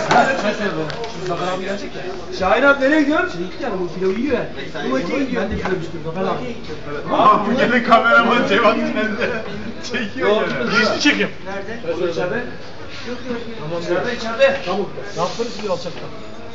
Zafer abi gelecek ya. Şahin abi nereye gidiyorsun? Şey gitti yani bu pilavı yiyor yani. Bu maça gidiyor. Ben de pilav istiyorum Zafer abi. Abi bu gene kameraman Cevat Tünel'de çekiyor ya. Geçti çekim. Nerede? O içeride. Yok. Tamam içeride. Tamam. Ne yaparız bir alçakta?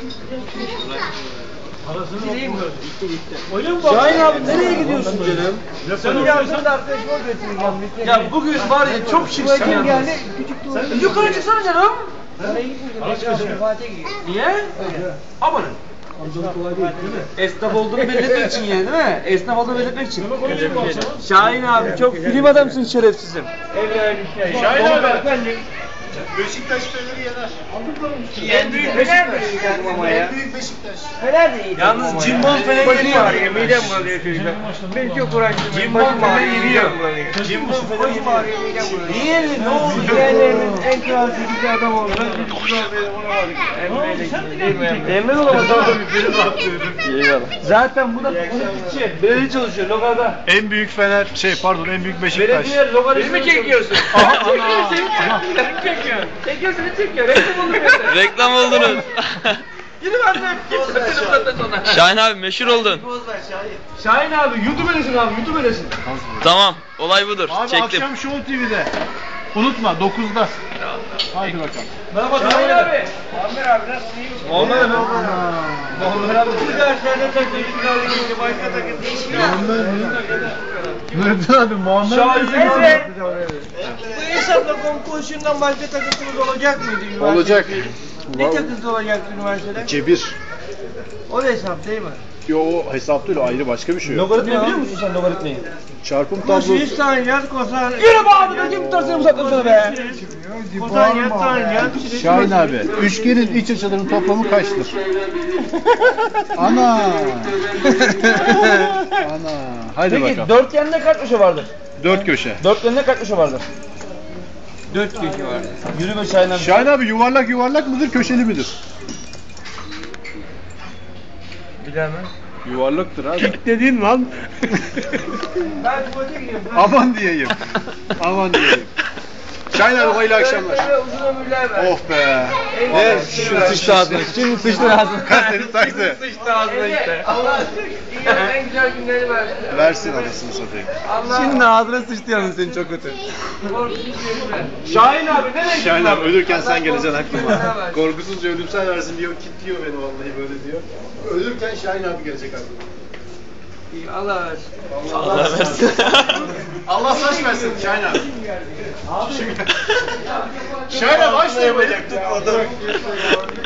Arasını yok mu? Öyle mi bak? Şahin abi nereye gidiyorsun canım? Sen Yardım da arkadaşıma götüreceğim. Ya bugün var ya çok şıksın Kim ya. geldi? Küçük tuvalet. Yukarı çıksana canım. Oraya gitmeyeceğim. Fatih'e gidiyor. Niye? Amanın. Amcanın kolay değil değil mi? Esnaf olduğunu belirtmek için yani değil mi? Esnaf olduğunu belirtmek için. Şahin abi çok film adamsın şerefsizim. Şahin abi. Beşiktaş Fener'i yener. En büyük Beşiktaş. En büyük Beşiktaş. Fener de iyi. Yalnız Cimbom Fener'i Başım yeniyor. ağrıyor, midem bulanıyor çocuklar. Ben çok uğraştım. Cimbom Başım ağrıyor, Fener'i midem yeniyor. bulanıyor. Cimbom Fener'i Başım yeniyor. ağrıyor, midem bulanıyor. Niye? Ne oldu? Diğerlerimiz en kral çekici adam oldu. Biz bunu olamadık. Emre de olamadı. Eyvallah. Zaten bu da politikçi. Belediye çalışıyor lokalda. En büyük Fener, en büyük Beşiktaş. Belediye lokalist. mi çekiyorsun? Çekiyorsun çekiyor. Reklam olur. Reklam oldunuz. Yürü ben de sonra. Şahin abi meşhur oldun. Şahin abi YouTube'lesin abi YouTube'lesin. Tamam, olay budur. Abi Çektim. akşam Show TV'de. Unutma 9'da. Haydi bakalım. Merhaba Şahin abi. Muammer abi nasıl iyi misin? Muammer abi. Muammer abi. Bu derslerde takıldı kaldı gitti. Başka takıldı. Nurettin abi Muammer Evet. Bu hesapla konkursundan başka takıntımız olacak mıydı üniversitede? Olacak. Ne takıntı olacaktı üniversitede? Cebir. O da hesap değil mi? Yo o hesap değil, o ayrı başka bir şey yok. Logaritmayı biliyor musun sen logaritmayı? Çarpım Kosinüs tablosu. tanjant kosan... Yürü be abi ne kim tutarsın bu saatten sonra be? Kotanjant tanjant... Şahin abi, üçgenin iç açılarının toplamı kaçtır? Ana! Ana! Hadi Peki bakalım. dörtgende kaç köşe vardır? 4 köşe. Dörtgende kaç köşe vardır? 4 kişi var. Yürü be Şahin abi. Şahin abi yuvarlak yuvarlak mıdır, köşeli midir? Bilemem. Yuvarlaktır abi. Dediğin lan. Ben tuvalete gidiyorum. Aman diyeyim. Aman diyeyim. Şahin abi hayırlı akşamlar. Uzun ömürler ver. Oh be. Ver şunu sıçtı ağzına. Şimdi sıçtı ağzına. Seni taktı. Sıçtı ağzına işte. Allah dünyanın en güzel günleri versin. Versin anasını satayım. Allah Şimdi ağzına sıçtı yalnız senin çok kötü. korkusuz günler. Şahin abi nereye Şahin gidiyorsun abi ölürken sen geleceksin aklıma. Allah Korkusuzca ölümsel versin diyor, kilitliyor beni vallahi böyle diyor. Ölürken Şahin abi gelecek aklıma. Allah versin. Allah versin. Allah saç versin Şahin abi. Şahin abi aç da yapacak.